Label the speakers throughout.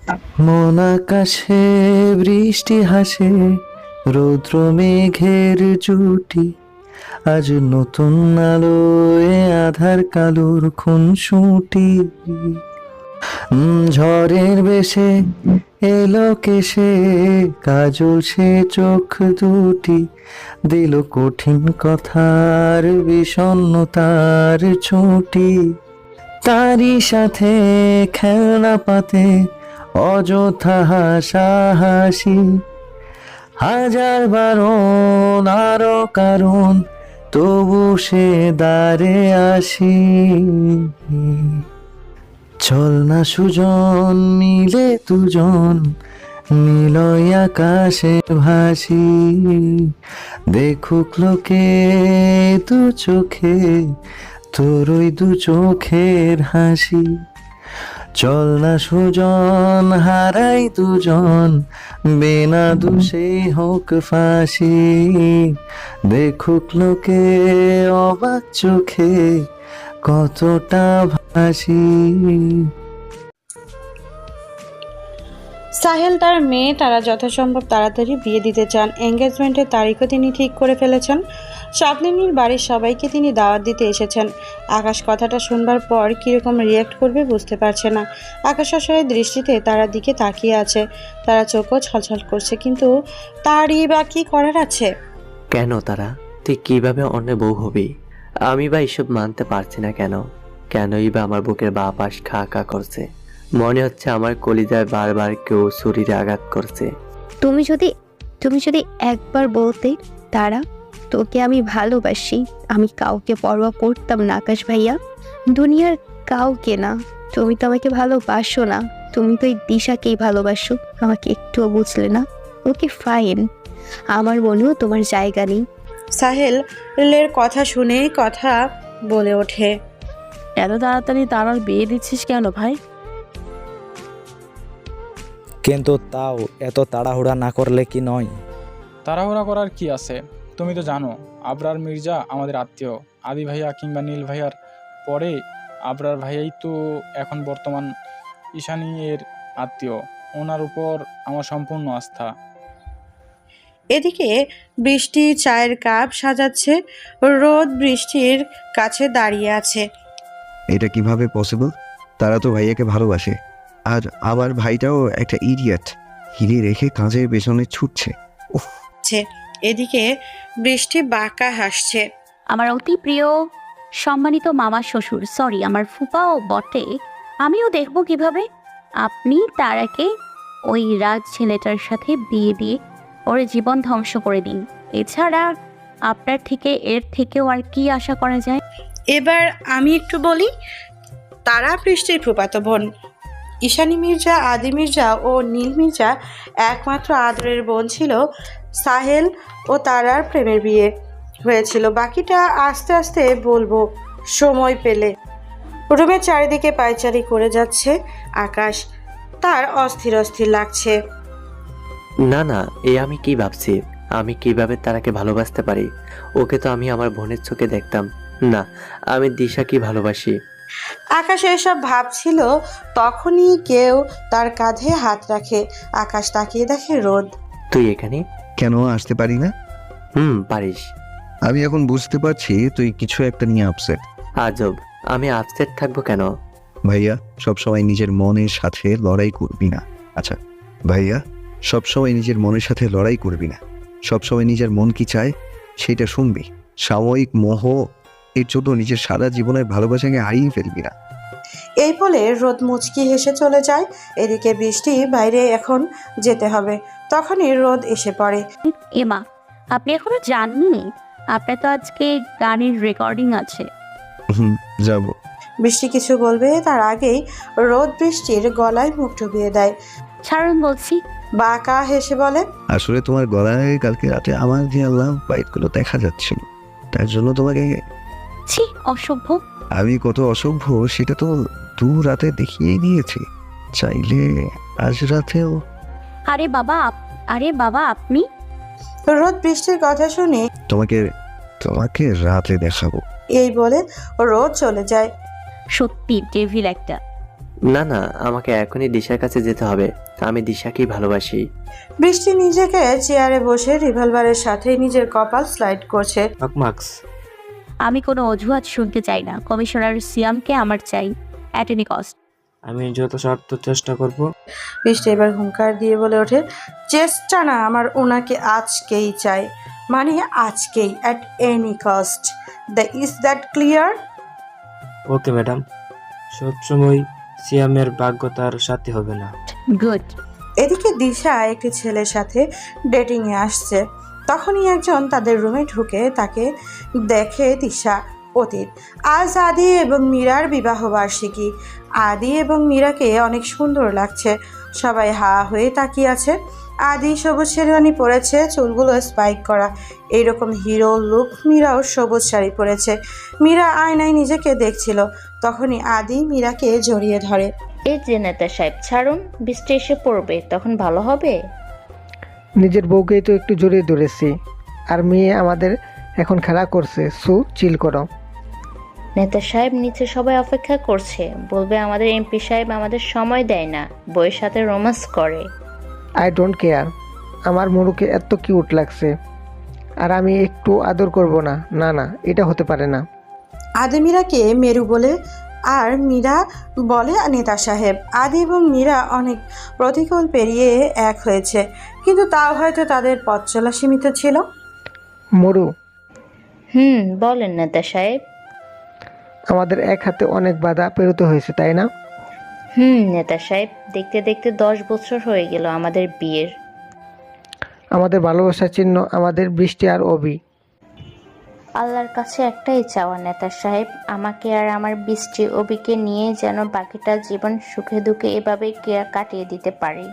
Speaker 1: মন আকাশে বৃষ্টি হাসে, রৌদ্র মেঘের জুটি, আজ নতুন আলোয় আধার কালোর খুনসুটি। ঝড়ের বেশে এলো কেশে, কাজল সে চোখ দুটি, দিল কঠিন কথার বিষণ্ণতার ছুটি। তারই সাথে খেলনা পাতে অযথা হাসাহাসি, হাজার বারণ আরো কারণ, তবু সে দ্বারে আসি। চল না সুজন মিলে দুজন, নিলয় আকাশে ভাসি, দেখুক লোকে দু চোখে তোর ওই দু চোখের হাসি। চল না সুজন হারাই দুজন, বিনা দোষে হোক ফাঁসি, দেখুক লোকে অবাক চোখে কতটা ভাসি।
Speaker 2: সাহেল তার মেয়ে তারা যথাসম্ভব তাড়াতাড়ি বিয়ে দিতে চান। এঙ্গেজমেন্টের তারিখও তিনি ঠিক করে ফেলেছেন। স্বপ্নিনীর বাড়ির সবাইকে তিনি দাওয়াত দিতে এসেছেন। আকাশ কথাটা শুনবার পর কীরকম রিয়্যাক্ট করবে বুঝতে পারছে না। আকাশ অসহায় দৃষ্টিতে তারার দিকে তাকিয়ে আছে। তারা চোখও ছলছল করছে, কিন্তু তারই বা কী করার আছে?
Speaker 3: কেন তারা, তুই কিভাবে অন্য বউ হবি? আমি বা এসব মানতে পারছি না। কেনই বা আমার বুকের বাঁ পাশ খা খা করছে? মনে হচ্ছে আমার কলিজায় বারবার কেউ শরীরে আঘাত করছে।
Speaker 4: তুমি যদি একবার বলতে তারা, তোকে আমি ভালোবাসি, আমি কাউকে পরোয়া করতাম না আকাশ ভাইয়া, দুনিয়ার কাউকে না। তুমি তো আমাকে ভালোবাসো না, তুমি তো এই দিশাকেই ভালোবাসো, আমাকে একটুও বুঝলে না। ওকে ফাইন, আমার মনেও তোমার জায়গা নেই।
Speaker 2: সাহেলের কথা শুনে কথা বলে ওঠে।
Speaker 5: এত তাড়াতাড়ি তারার বিয়ে দিচ্ছিস কেন ভাই?
Speaker 6: কিন্তু তাও এত তাড়াহুড়া না করলে কি নয়?
Speaker 7: তাড়াহুড়া করার কি আছে? তুমি তো জানো আবরার মির্জা আমাদের আত্মীয়। আদি ভাইয়া কিংবা নীল ভাইয়ার পরে আবরার ভাইয়াই তো এখন বর্তমান ঈশানী এর আত্মীয়। ওনার উপর আমার সম্পূর্ণ আস্থা।
Speaker 2: এদিকে বৃষ্টি চায়ের কাপ সাজাচ্ছে। রোদ বৃষ্টির কাছে দাঁড়িয়ে আছে।
Speaker 8: এটা কিভাবে পসিবল? তারা তো ভাইয়াকে ভালোবাসে, আর আমার ভাইটাও একটা ইডিয়েট, হিরে রেখে কাজের পেছনে ছুটছে।
Speaker 2: এদিকে বৃষ্টি বাঁকা হাসছে।
Speaker 9: আমার অতি প্রিয় সম্মানিত মামা শ্বশুর, সরি আমার ফুপাও বটে, আমিও দেখব কিভাবে আপনি তারাকে ওই রাজ ছেলেটার সাথে বিয়ে দিয়ে ওর জীবন ধ্বংস করে দিন। এছাড়া আপনার থেকে এর থেকেও আর কি আশা করা যায়?
Speaker 2: এবার আমি একটু বলি, তারা বৃষ্টির ফুফাতো বোন। ঈশানী মির্জা, আদি মির্জা ও নীল মির্জা একমাত্র আদরের বোন ছিল। সাহেল ও তারার প্রেমের বিয়ে হয়েছিল, বাকিটা আস্তে আস্তে বলবো সময় পেলে। রুমের চারিদিকে পায়চারি করে যাচ্ছে আকাশ, তার অস্থির অস্থির লাগছে।
Speaker 3: না না, আমি কি ভাবছি? আমি কিভাবে তারাকে ভালোবাসতে পারি? ওকে তো আমি আমার বোনের চোখে দেখতাম না। আমি দিশাকে ভালোবাসি।
Speaker 2: আকাশ এসব ভাবছিল, তখনই কেউ তার কাঁধে হাত রাখে। আকাশ তাকিয়ে দেখে রোদ।
Speaker 3: তুই এখানে?
Speaker 8: কেন আসতে পারি না?
Speaker 3: পারিস।
Speaker 8: আমি এখন বুঝতে পারছি তুই কিছু একটা নিয়ে আপসেট।
Speaker 3: আজব, আমি আপসেট থাকবো কেন?
Speaker 8: ভাইয়া সবসময় নিজের মনের সাথে লড়াই করবি না। আচ্ছা ভাইয়া, সবসময় নিজের মনের সাথে লড়াই করবি না, সবসময় নিজের মন কি চায় সেটা শুনবি। সাময়িক মোহ এর জন্য নিজের সারা জীবনের ভালোবাসাকে হারিয়ে ফেলবি না।
Speaker 2: এই বলে রোদ মুচকি হেসে চলে যায়। এদিকে বৃষ্টি বাইরে এখন যেতে হবে, তখনই রোদ এসে পড়ে।
Speaker 9: এমা, আপনি এখনো জাননি? আপনার তো আজকে গানের রেকর্ডিং আছে।
Speaker 8: যাব।
Speaker 2: বৃষ্টি কিছু বলবে তার আগেই রোদ বৃষ্টির গলায় মুখ ডুবিয়ে দেয়।
Speaker 9: ছাড়ুন বলছি।
Speaker 2: বাঁকা হেসে বলে,
Speaker 8: আসলে তোমার গলায় কালকে রাতে আমার যে আল্লাহ বাইটগুলো দেখা যাচ্ছিল, তার জন্য তোমাকে।
Speaker 9: ছি, অসভ্য।
Speaker 8: আমি কত অসভ্য সেটা তো দু রাতে দেখিয়ে দিয়েছি, চাইলে আজ রাতেও।
Speaker 9: আরে বাবা আপনি।
Speaker 2: রোদ বৃষ্টির কথা শুনে
Speaker 8: তোমাকে রাতে দেখাবো।
Speaker 2: এই বলে রোদ চলে যায়।
Speaker 9: সত্যি ডেভিল একটা।
Speaker 3: না না, আমাকে এখনই দিশার কাছে যেতে হবে। আমি দিশাকেই ভালোবাসি।
Speaker 2: বৃষ্টি নিজেকে চেয়ারে বসে রিভলভারের সাথে নিজের কপাল স্লাইড করছে।
Speaker 6: মার্কস
Speaker 9: আমি কোনো অজুহাত শুনতে চাই না। কমিশনার সিয়ামকে আমার চাই, অ্যাট এনি কস্ট।
Speaker 6: আমি যথাসাধ্য চেষ্টা করব।
Speaker 2: বৃষ্টি এবার হুঙ্কার দিয়ে বলে ওঠে, চেষ্টা না, আমার ওনাকে আজকেই চাই, মানে আজকেই, at any cost. Is that clear?
Speaker 6: Okay madam, সবসময় সিয়ামের ভাগ্য তার সাথে হবে না।
Speaker 9: গুড।
Speaker 2: এদিকে দিশা একটি ছেলের সাথে ডেটিংয়ে আসছে। তখনই একজন তাদের রুমে ঢুকে তাকে দেখে দিশা। অতীত, আজ আদি এবং মীরার বিবাহবার্ষিকী। আদি এবং মীরাকে অনেক সুন্দর লাগছে। সবাই হা হয়ে তাকিয়ে আছে। আদি সবুজ শেরওয়ানি পরেছে, চুলগুলো স্পাইক করা, এইরকম হিরো লুক। মীরাও সবুজ শাড়ি পরেছে। মীরা আয়নায় নিজেকে দেখছিল। তখনই আদি মীরাকে জড়িয়ে ধরে।
Speaker 10: এই যে নেতা সাহেব, ছাড়ুন, বৃষ্টি এসে পড়বে, তখন ভালো হবে।
Speaker 11: নিজের বউকেই তো একটু জড়িয়ে ধরেছি, আর মেয়ে আমাদের এখন খেলা করছে, চিল করো।
Speaker 10: নেতা সাহেব, নিচে সবাই অপেক্ষা করছে, বলবে আমাদের এমপি সাহেব আমাদের সময় দেয় না, বইয়ের সাথে রোম্যান্স করে।
Speaker 11: আই ডোন্ট কেয়ার, আমার মুরুকে এত কিউট লাগছে, আর আমি একটু আদর করব না? না না, এটা হতে পারে না।
Speaker 2: আদি মীরাকে মেরু বলে, আর মীরা বলে নেতা সাহেব। আদি এবং মীরা অনেক প্রতিকূল পেরিয়ে এক হয়েছে, কিন্তু তাও হয়তো তাদের পথ চলা সীমিত ছিল।
Speaker 11: মরু,
Speaker 10: বলেন নেতা সাহেব।
Speaker 11: আমাদের এক হাতে অনেক বাধা পেরোতে হয়েছে, তাই না?
Speaker 10: নেতা সাহেব, দেখতে দেখতে 10 বছর হয়ে গেল আমাদের বিয়ের।
Speaker 11: আমাদের ভালোবাসার চিহ্ন আমাদের বৃষ্টি আর অবি।
Speaker 10: আল্লাহর কাছে একটাই চাওয়া নেতা সাহেব, আমাকে আর আমার বৃষ্টি অবিকে নিয়ে যেন বাকিটা জীবন সুখে দুঃখে এভাবে কাটিয়ে দিতে পারি।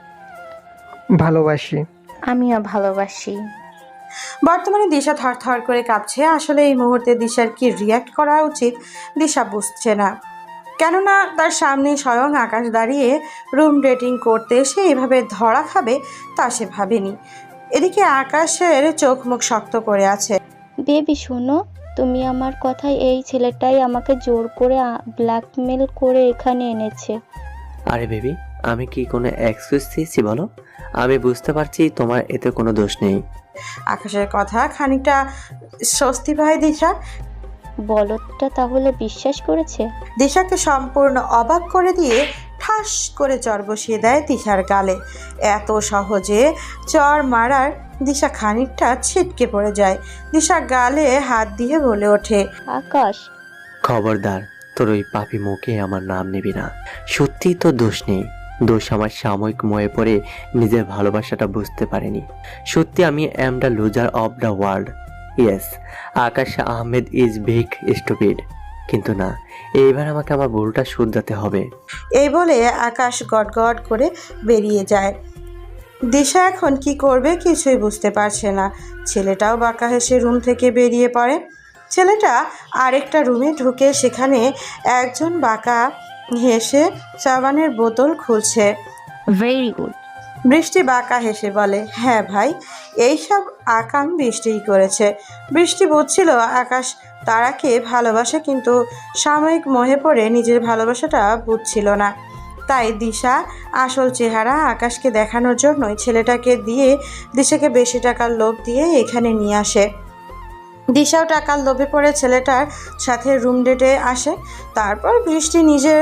Speaker 11: ভালোবাসি।
Speaker 10: আমিও ভালোবাসি।
Speaker 2: বর্তমানে দিশা থরথর করে কাঁপছে। আসলে এই মুহূর্তে দিশার কি রিয়্যাক্ট করা উচিত দিশা বুঝছে না, কেননা তার সামনে স্বয়ং আকাশ দাঁড়িয়ে রুম ডেটিং করতে এসে এভাবে ধরা খাবে তা সে ভাবেনি। এদিকে আকাশের চোখ মুখ শক্ত করে আছে।
Speaker 12: বেবি শোনো, তুমি আমার কথায়, এই ছেলেটাই আমাকে জোর করে ব্ল্যাকমেল করে এখানে এনেছে।
Speaker 3: আরে বেবি, আমি কি কোনো এক্সকিউজ দিয়েছি বলো? আমি বুঝতে পারছি তোমার এতে কোনো দোষ নেই।
Speaker 2: আকাশের কথা খানিকটা স্বস্তি পায় দিশা।
Speaker 12: বলদটা তাহলে বিশ্বাস করেছে?
Speaker 2: দিশাকে সম্পূর্ণ অবাক করে দিয়ে ঠাস করে চর বসিয়ে দেয় দিশার গালে। এত সহজে চর মারার দিশা খানিকটা ছিটকে পড়ে যায়। দিশা গালে হাত দিয়ে বলে ওঠে,
Speaker 12: আকাশ,
Speaker 3: খবরদার, তোর ওই পাপি মুখে আমার নাম নিবি না। সত্যি তো দোষ নেই, দোষ আমার সাময়িক ময়ে পড়ে নিজের ভালোবাসাটা বুঝতে পারিনি। সত্যি আমি am the loser of the world. Yes, Akash Ahmed is big stupid. কিন্তু না, এইবার আমাকে আমার ভুলটা শুধরাতে হবে।
Speaker 2: এই বলে আকাশ গটগট করে বেরিয়ে যায়। দিশা এখন কি করবে কিছুই বুঝতে পারছে না। ছেলেটাও বাঁকা হেসে রুম থেকে বেরিয়ে পড়ে। ছেলেটা আরেকটা রুমে ঢুকে সেখানে একজন বাঁকা হেসে সাবানের বোতল খুলছে।
Speaker 9: Very good.
Speaker 2: বৃষ্টি বাঁকা হেসে বলে, হ্যাঁ ভাই, এইসব আকাম বৃষ্টিই করেছে। বৃষ্টি বুঝছিল আকাশ তারাকে ভালোবাসে, কিন্তু সাময়িক মোহে পড়ে নিজের ভালোবাসাটা বুঝছিল না। তাই দিশা আসল চেহারা আকাশকে দেখানোর জন্যই ছেলেটাকে দিয়ে দিশাকে বেশি টাকার লোভ দিয়ে এখানে নিয়ে আসে। দিশাও টাকার লোভে পড়ে ছেলেটার সাথে রুম ডেটে আসে। তারপর বৃষ্টি নিজের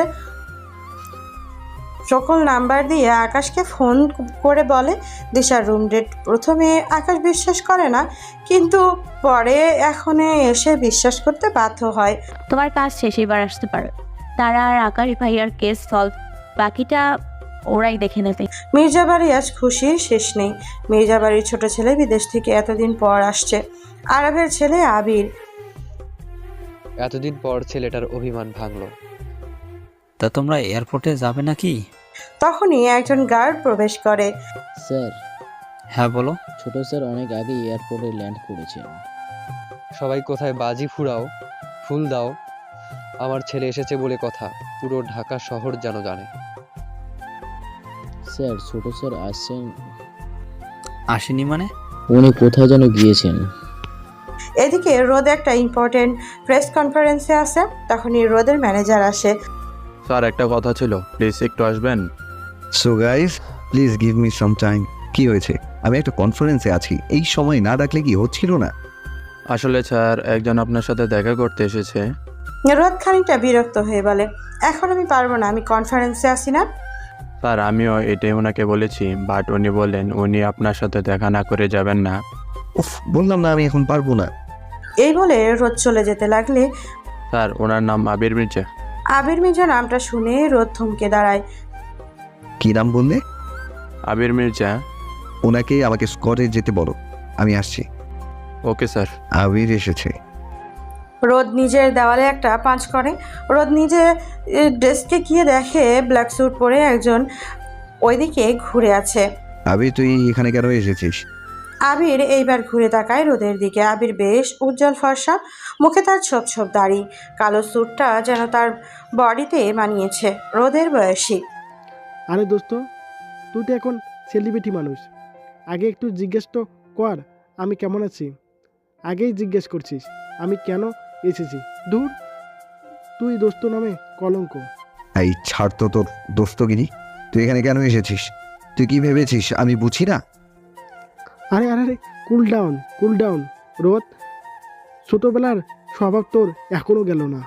Speaker 2: সকল নাম্বার দিয়ে আকাশকে ফোন করে বলে দিশার রুম ডেট। প্রথমে আকাশ বিশ্বাস করে না, কিন্তু পরে এখনে এসে বিশ্বাস করতে বাধ্য হয়।
Speaker 9: তোমার কাজ শেষ, এবার আসতে পারো। তারা আর আকাশ ভাইয়ার কেস সলভ, বাকিটা ওরাই দেখে নেবে।
Speaker 2: মির্জাবাড়ি আজ খুশির শেষ নেই। মির্জাবাড়ির ছোট ছেলে বিদেশ থেকে এতদিন পর আসছে। আরবের ছেলে আবির।
Speaker 13: এতদিন পর ছেলেটার অভিমান ভাঙলো।
Speaker 14: তা তোমরা এয়ারপোর্টে যাবে নাকি?
Speaker 2: তখনই একজন গার্ড প্রবেশ করে।
Speaker 15: স্যার।
Speaker 14: হ্যাঁ বলো।
Speaker 15: ছোট স্যার অনেক আগে এয়ারপোর্টে ল্যান্ড করেছেন।
Speaker 13: সবাই কোথায় বাজি ফুরাও, ফুল দাও, আমার ছেলে এসেছে বলে কথা, পুরো ঢাকা শহর যেন জানে।
Speaker 15: স্যার, ছোট স্যার আসছেন।
Speaker 14: আসেনি মানে?
Speaker 15: উনি কোথায় যেন গিয়েছেন।
Speaker 2: এদিকে রোদ একটা ইম্পর্টেন্ট প্রেস কনফারেন্সে আসে। তখনই রোদের ম্যানেজার আসে।
Speaker 16: স্যার একটা কথা ছিল, প্লিজ একটু আসবেন।
Speaker 8: So guys, please give me some time. কি হয়েছে? আমি একটা কনফারেন্সে আছি, এই সময় না ডাকলে কি হচ্ছিল না?
Speaker 16: আসলে স্যার একজন আপনার সাথে দেখা করতে এসেছে।
Speaker 2: রোদ খানিকটা বিরক্ত হয়ে বলে, এখন আমি পারবো না, আমি কনফারেন্সে আসি না।
Speaker 16: স্যার আমিও এটাই ওনাকে বলেছি, বাট উনি বললেন উনি আপনার সাথে দেখা না করে যাবেন না।
Speaker 8: উফ, বললাম না আমি এখন পারবো না।
Speaker 2: এই বলে রোদ চলে যেতে লাগলে
Speaker 16: স্যার ওনার নাম আবির মির্জা।
Speaker 2: আবির মির্জা নামটা শুনে রোদ থমকে দাঁড়ায়।
Speaker 8: কি নাম বললে?
Speaker 16: আবির মির্জা।
Speaker 8: ওনাকে আমাকে স্কটে যেতে বলো, আমি আসছি।
Speaker 16: Okay sir.
Speaker 8: আবির এসেছে।
Speaker 2: রোদ নিজের দেওয়ালে একটা পাঁচ করে। রোদ নিজে ডেস্কে গিয়ে দেখে ব্ল্যাক স্যুট পরে একজন ওইদিকে ঘুরে আছে।
Speaker 8: আবির, তুই এখানে কেন এসেছিস?
Speaker 2: আবির এইবার ঘুরে তাকায় রোদের দিকে। আবির বেশ উজ্জ্বল ফর্সা, মুখে তার ছোপ ছোপ দাড়ি, কালো স্যুটটা যেন তার বডিতে মানিয়েছে। রোদের বয়সী।
Speaker 17: আরে দোস্ত, তুই তো এখন সেলিব্রিটি মানুষ, আগে একটু জিজ্ঞেস তো কর আমি কেমন আছি। আগেই জিজ্ঞেস করছিস আমি কেন এসেছি। দূর, তুই দোস্ত নামে কলঙ্ক।
Speaker 8: এই ছাড় তো তোর দোস্তগিরি। তুই এখানে কেন এসেছিস? তুই কি ভেবেছিস আমি বুঝি না?
Speaker 17: আরে আরে আরে কুল ডাউন, কুল ডাউন রোদ। ছোটবেলার স্বভাব তোর এখনো গেল না।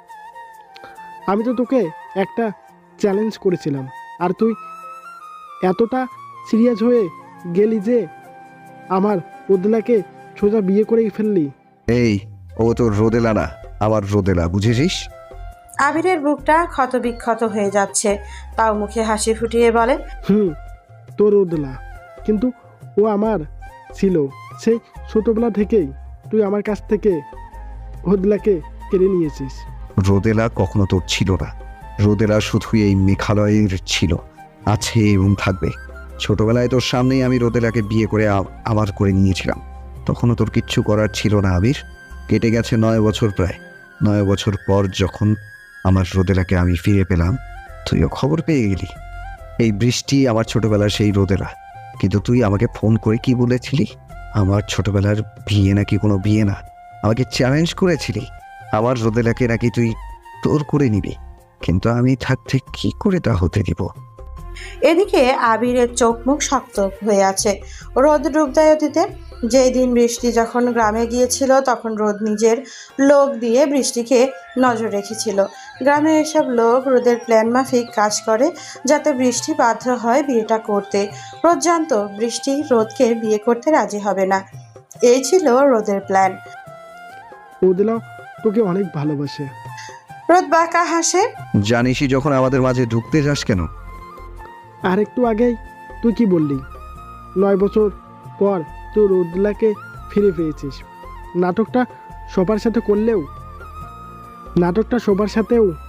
Speaker 17: আমি তো তোকে একটা চ্যালেঞ্জ করেছিলাম, আর তুই এতটা সিরিয়াস হয়ে গেলি যে আমার রোদেলাকে সোজা বিয়ে করেই ফেললি।
Speaker 8: এই, ও তোর রোদেলা না, আমার রোদেলা, বুঝেছিস?
Speaker 2: আবিরের বুকটা ক্ষতবিক্ষত হয়ে যাচ্ছে, তাও মুখে হাসি ফুটিয়ে বলে,
Speaker 17: তোর রোদেলা, কিন্তু ও আমার ছিল সেই ছোটবেলা থেকেই। তুই আমার কাছ থেকে রোদেলাকে কেড়ে নিয়েছিস।
Speaker 8: রোদেলা কখনো তোর ছিল না। রোদেলা শুধু এই মেঘালয়ের ছিল, আছে এবং থাকবে। ছোটবেলায় তোর সামনেই আমি রোদেলাকে বিয়ে করে আমার করে নিয়েছিলাম। তখনও তোর কিচ্ছু করার ছিল না আবির। কেটে গেছে 9 বছর প্রায়। 9 বছর পর যখন আমার রোদেলাকে আমি ফিরে পেলাম, তুইও খবর পেয়ে গেলি। এই বৃষ্টি আমার ছোটবেলার সেই রোদেলা। কিন্তু তুই আমাকে ফোন করে কি বলেছিলি? আমার ছোটবেলার বিয়ে নাকি কোনো বিয়ে না। আমাকে চ্যালেঞ্জ করেছিলি আমার রোদেলাকে নাকি তুই তোর করে নিবি। কিন্তু আমি থাকতে কি করে তা হতে দিব?
Speaker 2: এদিকে আবিরের চোখ মুখ শক্ত হয়ে আছে রোদ ডুব দেয় অতীতে। যেই দিন বৃষ্টি যখন গ্রামে গিয়েছিল তখন রোদ নিজের লোক দিয়ে বৃষ্টিকে নজর রেখেছিল। গ্রামে এসব লোক রোদের প্ল্যান মাফিক কাজ করে যাতে বৃষ্টি বাধ্য হয় বিয়েটা করতে। রোদ জানতো বৃষ্টি রোদকে বিয়ে করতে রাজি হবে না। এই ছিল রোদের প্ল্যান।
Speaker 17: রোদেলা তোকে অনেক ভালোবাসে।
Speaker 2: রোদ বাঁকা হাসে।
Speaker 8: জানিসই যখন আমাদের মাঝে ঢুকতে যাস কেন?
Speaker 17: আর একটু আগেই তুই কি বললি? 9 বছর পর তুই রোদেলাকে ফিরে পেয়েছিস। নাটকটা সবার সাথে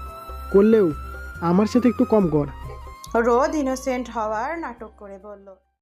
Speaker 17: করলেও আমার সাথে একটু কম কর।
Speaker 2: রোদ ইনোসেন্ট হওয়ার নাটক করে বলল।